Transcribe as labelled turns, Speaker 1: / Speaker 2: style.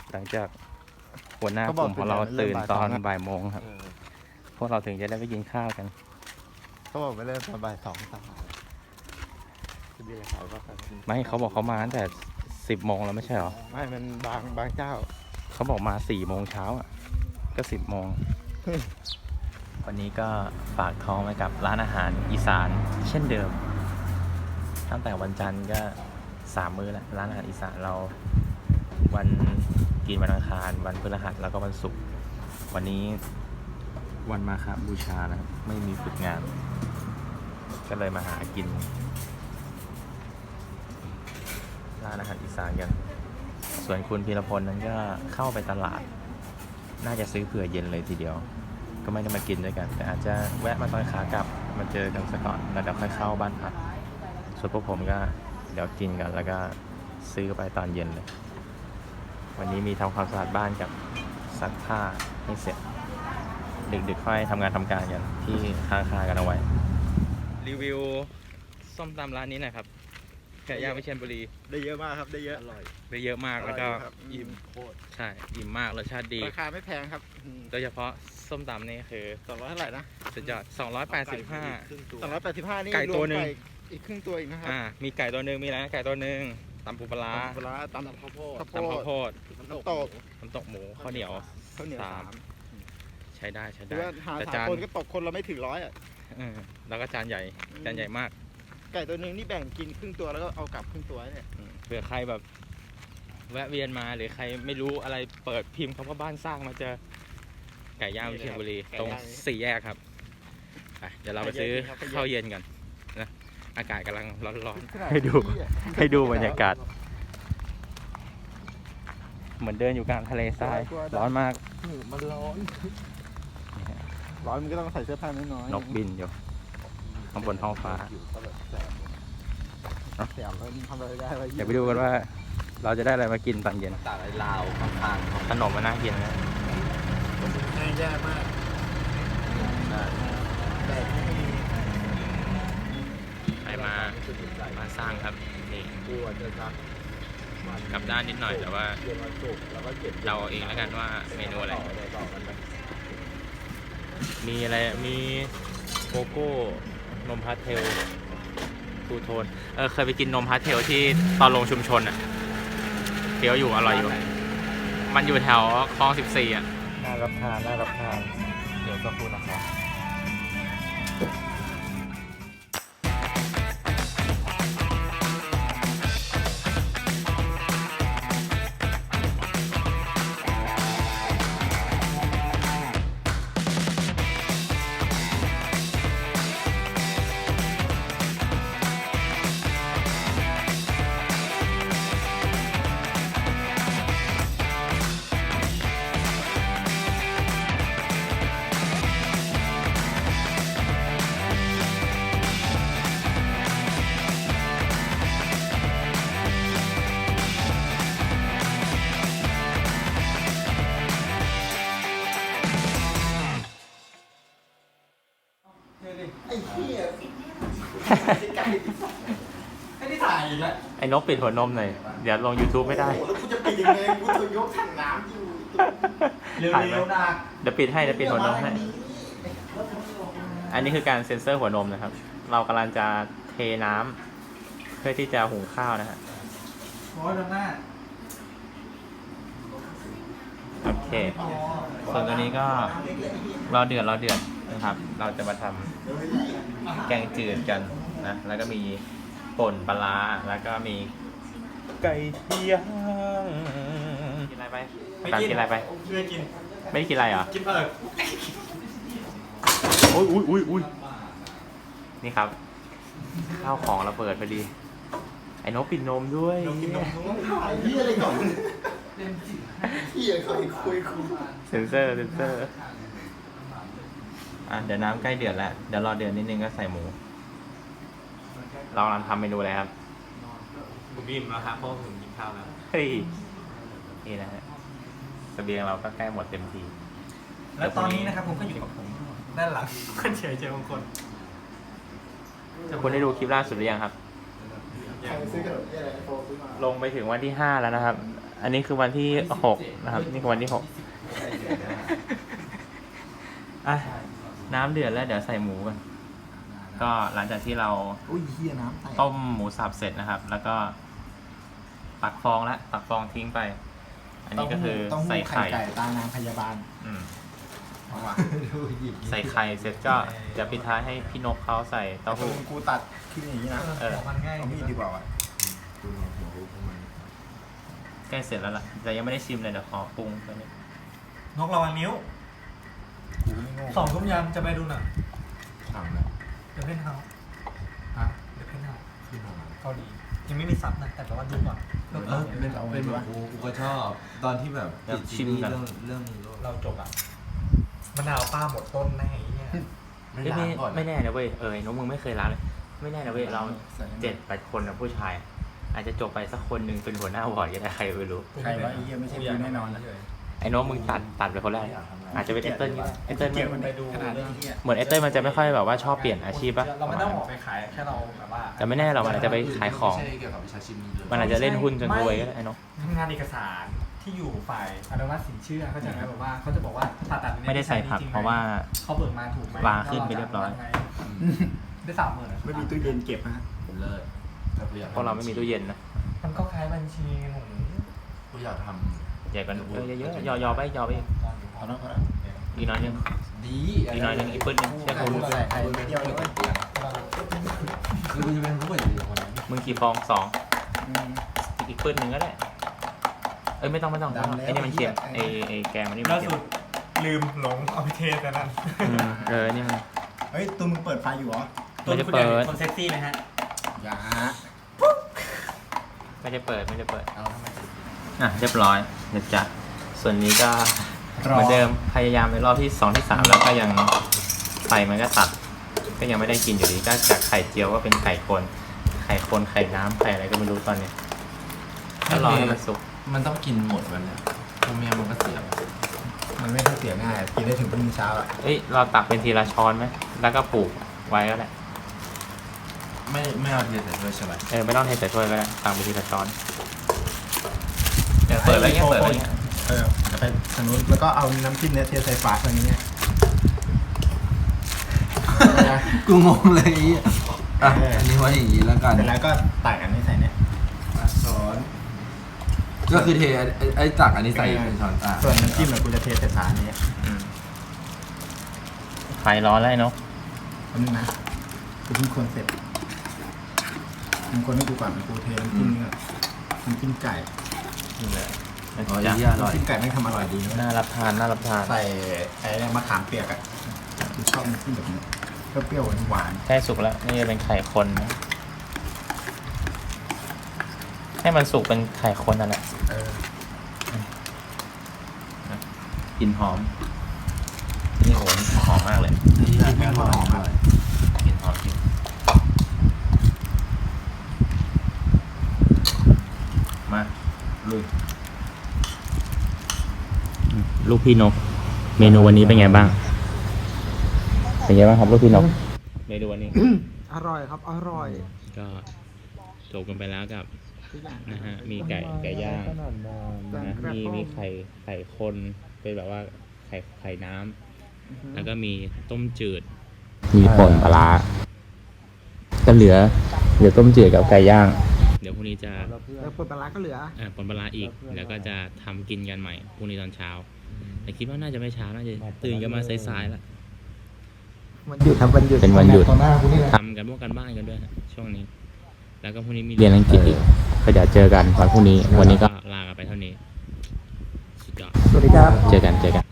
Speaker 1: หลังจากหัวหน้ากลุ่มของเราตื่นตอนบ่ายโมงครับพวกเราถึงจะได้ไปกินข้าวกัน
Speaker 2: เขาบอกไปเริ่มตอนบ่าย2 3จะมีอะไรขายบ้างครับ
Speaker 1: ไม่เขาบอกเขามาตั้งแต่10 โมงแล้วไม่ใช่หรอ
Speaker 2: ไม่มันบางเจ้า
Speaker 1: เขาบอกมา4 โมงเช้าอ่ะก็10 โมง วันนี้ก็ฝากท้องไว้กับร้านอาหารอีสานเช่นเดิม ตั้งแต่วันจันทร์ก็3 มื้อแล้วร้านอาหารอีสานเราวันกินวันอังคารวันพฤหัสแล้วก็วันศุกร์วันนี้วันมาฆบูชานะครับไม่มีฝึกงาน ก็เลยมาหากินร้านอาหารอีสานกันส่วนคุณพีรพลนั้นก็เข้าไปตลาดน่าจะซื้อเผื่อเย็นเลยทีเดียวก็ไม่ได้มากินด้วยกันแต่อาจจะแวะมาตอนขากลับมาเจอกันสักก่อนแล้วเดี๋ยวค่อยเข้าบ้านพักส่วนพวกผมก็เดี๋ยวกินกันแล้วก็ซื้อไปตอนเย็นเลยวันนี้มีทำความสะอาดบ้านกับซักผ้าให้เสร็จดึกๆค่อยทำงานทำการกันที่ค้างคากันเอาไว้รีวิวส้มตำร้านนี้หน่อยครับไก่ย่างวิเชียรบุรี
Speaker 2: ได้เยอะมากครับได้เยอะอร่อย
Speaker 1: ได้เยอะมากแล้วก็
Speaker 2: อิ่มโคตร
Speaker 1: ใช่อิ่มมากรสชาติดี
Speaker 2: ราคาไม่แพงครับ
Speaker 1: โดยเฉพาะส้มตำนี่คือ
Speaker 2: 200เท่าไหร่นะ
Speaker 1: สุดยอด285
Speaker 2: 285นี่
Speaker 1: ไก่ตัวหนึ่ง
Speaker 2: รวมอีกครึ่งตัวอีกนะครับ
Speaker 1: มีไก่ตัวหนึ่งมีอะไรนะไก่ตัวหนึ่งตำปูปลาร้า
Speaker 2: ปลาตำข้าวโพด
Speaker 1: ตำข้าวโพด
Speaker 2: น้ำตก
Speaker 1: น้ำตกหมูข้าวเหนียว
Speaker 2: ข้าวเหนียว
Speaker 1: 3 ใช้ได้ใช้
Speaker 2: หรื
Speaker 1: ได้
Speaker 2: อว่าหา
Speaker 1: แต่
Speaker 2: สาม
Speaker 1: จาน
Speaker 2: คนก็ตกคนเราไม่ถึง100อ่ะ
Speaker 1: แล้วก็จานใหญ่มาก
Speaker 2: ไก่ตัวหนึ่งนี่แบ่งกินครึ่งตัวแล้วก็เอากลับครึ่งตัวเนี่ย
Speaker 1: เผื่อใครแบบแวะเวียนมาหรือใครไม่รู้อะไรเปิดพิมพ์คำว่าบ้านสร้างมาเจอไก่ย่างวิเชียรบุรีตรง4 แยกครับไปเดี๋ยวเราไปซื้อข้าวเย็นกันนะอากาศกำลังร้อนๆให้ดูบรรยากาศเหมือนเดินอยู่กลางทะเลทรายร้อนมาก
Speaker 2: มันร้อนมันก็ต้องใส่เสื้อผ้าน้อยๆ
Speaker 1: นกบินอยู่ข้างบนท้องฟ้า
Speaker 2: แสบแล้วทำอะไรได้วะ
Speaker 1: เดี๋ยวไปดูกันว่าเราจะได้อะไรมากินตอนเย็น
Speaker 2: ตาลายลาวข้างๆ
Speaker 1: ขนมมันน่ากินนะ
Speaker 2: แย่มากแต่ไม่มี
Speaker 1: ใครมาสร้างครับนี่
Speaker 2: กลัวจะซัก
Speaker 1: กลับด้านนิดหน่อยแต่ว่า
Speaker 2: เย็นวันศุกร์แล้วก็เก็บ
Speaker 1: เราเอาเองแล้วกันว่าเมนูอะไร
Speaker 2: ต่อกันไป
Speaker 1: มีอะไรมีโกโก้นมพาสเทลทูโทนเคยไปกินนมพาสเทลที่ตอนลงชุมชนอ่ะเคี้ยวอยู่อร่อยอยู่มันอยู่แถวคลอง14อ่ะน่ารับทานเดี๋ยวสักครู่นะครับ
Speaker 2: ไอ้เหี้ยไม่ได้ถ่ายอีกแล้ว
Speaker 1: ไอ้นกปิดหัวนมหน่อยเดี๋ยวลง YouTube ไม่ได้
Speaker 2: แล้วกูจะปิดยังไงกูจะยกถังน้ำอยู่เร็วๆนะ
Speaker 1: เดี๋ยวปิดหัวนมให้อันนี้คือการเซ็นเซอร์หัวนมนะครับ เรากำลังจะเทน้ำเพื่อที่จะหุงข้าวนะฮะ
Speaker 2: โอ้ยตรงหน้า
Speaker 1: โอเค ส่วนตัวนี้ก็รอเดือดนะครับ เราจะมาทำแกงจืดกันนะ แล้วก็มีป่นปลาร้าแล้วก็มีไก่ย่างกินอะไรไปการกินอะไรไป
Speaker 2: ไม่กิน
Speaker 1: ไม่ได้กินอะไรเหรอ
Speaker 2: กินเปิด
Speaker 1: อุ้ยนี่ครับ ข้าวของระเบิดพอดี ไอ้นกปิดนมด้วย
Speaker 2: กินนมถ่ายเหี้ยอะไรก่อนเหี้ยเคยคุย
Speaker 1: เซนเซอร์เดี๋ยวน้ำใกล้เดือดแล้วเดี๋ยวรอเดือดนิดนึงก็ใส่หมูเรากำลังทำเมนูอะไรครับ
Speaker 2: ผมอิ่มแล้วครับเพราะผมกินข้าวแล้ว
Speaker 1: เฮ้ยนี่นะฮะเสบียงเราก็ใกล้หมดเต็มที
Speaker 2: แล้วตอนนี้นะครับผมก็อยู่กับผมด้านหลังคนเฉยเจอบางคน
Speaker 1: คุณได้ดูคลิปล่าสุดหรือยังครับ ลงไปถึงวันที่5แล้วนะครับอันนี้คือวันที่6นะครับ นี่คือวันที่6อ่ะน้ำเดือดแล้วเดี๋ยวใส่หมูกันก็หลังจากที่เรา
Speaker 2: อุ้ยเฮียน้ำแตก
Speaker 1: ต้มหมูสับเสร็จนะครับ แล้วก็ตักฟองแล้วตักฟองทิ้งไป อันนี้ก็คือใส่ไข่
Speaker 2: ไก่ตานางพยาบาล
Speaker 1: อืม
Speaker 2: เอาว่ะดูหยิบ
Speaker 1: ใส่ไข่เสร็จก็จะปิดท้ายให้พี่นกเขาใส่เต้าหู้
Speaker 2: กูตัดขึ้นอย่างนี้นะ
Speaker 3: มันง่าย
Speaker 2: เอามีดดีกว่าว่ะ
Speaker 1: ใกล้เสร็จแล้วล่ะแต่ยังไม่ได้ชิมเลยเดี๋ยวขอปรุงไปนิด
Speaker 3: นกระวังนิ้ว
Speaker 2: กูไม่โง่
Speaker 3: 2 ทุ่มยังจะไปดูหนัง
Speaker 2: สั่งเลย
Speaker 3: เดี๋ยวเพ่นเฮา
Speaker 2: ฮะ
Speaker 3: เดี๋ยวเพ่นเฮา
Speaker 2: ขึ้นมา
Speaker 3: เกาหลียังไม่มีซับนะแต่แปลว่าดูก่อน
Speaker 4: เป็นแบบกูก็ชอบตอนที่แบบติดซีรีส์เรื่อง
Speaker 3: เราจบอ่ะมะนาวป้าหมดต้นแน่ไอ้เนี่ย
Speaker 4: ไม่
Speaker 1: เอ้ย
Speaker 4: ล้างก่อน
Speaker 1: ไม่แน่นะเว้ยไอ้นกมึงไม่เคยล้างเลยไม่แน่นะเว้ยเรา7-8 คนนะผู้ชาย อาจจะจบไปสักคนหนึ่งเป็นหัวหน้าวอร์ดก็ได้ใครไม่รู้
Speaker 2: ใครว่าไอ้เหี้ยไม่ใช่กูแน่นอนนะ
Speaker 1: ไอ้นกมึงตัดไปคนแรกอาจจะเป็นเอเติ้ลก็ได้เอเติ้ล
Speaker 2: เกลียด
Speaker 1: มั
Speaker 2: มัน นไปดูขนาดนี้เหี้ย
Speaker 1: เหมือนเอเติ้ลมันจะไม่ค่อยแบบว่าชอบเปลี่ยนอาชีพปะ
Speaker 3: เราไม่ต้องออกไปขายแค่เราแบบว่า
Speaker 1: แต่ไม่แน่เรามันอาจจะไปขายของ
Speaker 4: ไม่ใช่เกี่ยวกับวิชาชีพนี้เลย
Speaker 1: มันอาจจะเล่นหุ้นจนรวยก็ได้ไอ้นก
Speaker 3: ทำงานเอกสารที่อยู่ฝ่ายอนุมัติสินเชื่อเขาจะแบบว่าเขาจะบอกว่าผ่าตัดเนี่ย
Speaker 1: ไม่ได้ใส่ผักเพราะว่า
Speaker 3: เขาเบิกมาถูกไหม
Speaker 1: วางขึ้นไปเรียบร้อย
Speaker 3: ได้30,000
Speaker 2: ไม่มีตู้เย็นเก็บฮะ
Speaker 4: เลิศแต่กูอยาก
Speaker 1: เพราะเราไม่มีตู้เย็นนะ
Speaker 3: มันก็คล้ายบัญชีหนู
Speaker 4: กูอยากท
Speaker 1: ใหญ่กว่าเยอะๆยอไปยอไปอีก
Speaker 2: พอแล้วพอแล้ว
Speaker 1: อีกน้อยนึง
Speaker 4: ำดี
Speaker 1: อีกน้อยนึงอีกปื้นนึงเชื่อ
Speaker 2: ใคร
Speaker 1: กู
Speaker 2: รู้ใส่ใครไม่เดียวเลย
Speaker 4: คือกูจะเป็นผู้ป่วยอยู่คนนั้น
Speaker 1: มึงกี่ฟอง2อีกปื้นนึงก็ได้เอ้ยไม่ต้องไอ้นี่มันเค็มไอ้แกงมันนี่มัน
Speaker 3: ล่า
Speaker 1: เค็
Speaker 3: สุ
Speaker 1: ม
Speaker 3: ดลืมหลงเอาไปเทสกันนั่น
Speaker 1: นี่มัน
Speaker 2: เฮ้ยตูมึงเปิดไฟอยู่เหรอ
Speaker 1: ไม่ได้เปิด
Speaker 3: คนเซ็กซี่ไหมฮะ
Speaker 2: อย่า
Speaker 1: ไม่ได้เปิด
Speaker 2: เอาทำไมถึง
Speaker 1: อ่ะเรียบร้อยเดี๋ยวจะส่วนนี้ก็เหมือนเดิมพยายามในรอบที่2ที่3แล้วก็ยังไฟมันก็ตัด ก็ยังไม่ได้กินอยู่ดีก็จากไข่เจียวก็เป็นไข่คนไข่น้ำไข่อะไรก็ไม่รู้ตอนนี้ก็รอให้มันสุก
Speaker 4: มันต้องกินหมดวันเนี่ยพวกเมียมันก็เสีย
Speaker 2: มันไม่ได้เสียง่ายกินได้ถึงพรุ่งนี้เช้าอ่ะ
Speaker 1: เอ้ยเราตักเป็นทีละช้อนไหมแล้วก็ปลูกไว้ก็ได้
Speaker 4: ไม่เอาเทใส่ด้วยใช่ไหม
Speaker 1: ไม่ต้องเทใส่ถ้วยก็ได้ตักเป็นทีละช้อนเปิดไว้เงี้ย
Speaker 2: จะไปทางนู้นแล้วก็เอาน้ำจิ้มเนี่ยเทใส่ฝาตรงนี้เนี่ย
Speaker 4: กูงงเลยอันนี้ไว่าอย่างนี้แล้วกัน
Speaker 2: เสร็จแล้วก็ตักอันนี้ใส่เนี่ยสอน
Speaker 4: ก็คือเทไอ้ตักอันนี้ใส่เป็นช้อน
Speaker 2: ส่วนน้ำจิ้มเนี่ยกูจะเทใส่ฝานี้
Speaker 1: ไฟร้อนแล้วเนาะ
Speaker 2: อันนี้นะกูเพิ่งคนเสร็จมึงคนให้กูก่อนกูเทน้ำจิ้มนี่ก่อนน้ำจิ้มไก่
Speaker 1: นี่เลย
Speaker 4: อ๋อ
Speaker 1: จะ
Speaker 4: อร่อย
Speaker 2: น้ำจิ้มไก่ไม่งทำอร่อยดีนะ
Speaker 1: น่ารับทาน
Speaker 2: ใส่ไอ้เนี่ยมะขามเปียกอ่ะกูชอบน้ำจิ้มแบบนี้เปรี้ยวๆหวาน
Speaker 1: ใกล้สุกแล้วนี่จะเป็นไข่คนนะให้มันสุกเป็นไข่คนนั่นแหละ
Speaker 2: ๆ
Speaker 1: กลิ่นหอมนี่โหหอมมากเลย
Speaker 4: นี่แม่งหอมมาก
Speaker 1: กลิ่นหอมจริงมาลุยลูกพี่นกเมนูวันนี้เป็นไงบ้างครับลูกพี่นกเมนูวันนี้
Speaker 3: อร่อยครับอร่อย
Speaker 1: ก็จบกันไปแล้วกับนะฮะมีไก่ย่างนะมีไข่คนเป็นแบบว่าไข่น้ำแล้วก็มีต้มจืดมีป่นปลาก็เหลือต้มจืดกับไก่ย่าง เดี๋ยวพรุ่งนี้จะ
Speaker 3: แล้วผลปลาร้าก็เหลือ
Speaker 1: ป่นปลาอีกแล้วก็จะทำกินกันใหม่พรุ่งนี้ตอนเช้าแต่คิดว่าน่าจะไม่เช้าน่าจะตื่นกันมาสายๆแล้ว
Speaker 3: วันหยุดครับวันหยุด
Speaker 1: เป็นวันหยุด
Speaker 2: ตอนหน้ากูนี่แหละ
Speaker 1: ทำกันพวกกันบ้านกันด้วยฮะช่วงนี้ แล้วก็พรุ่งนี้มีเรียนอังกฤษอีกก็เดี๋ยวเจอกันวันพรุ่งนี้ วันนี้ก็ลากันไปเท่านี้สุดยอด
Speaker 3: สวัสดีครับ
Speaker 1: เจอกัน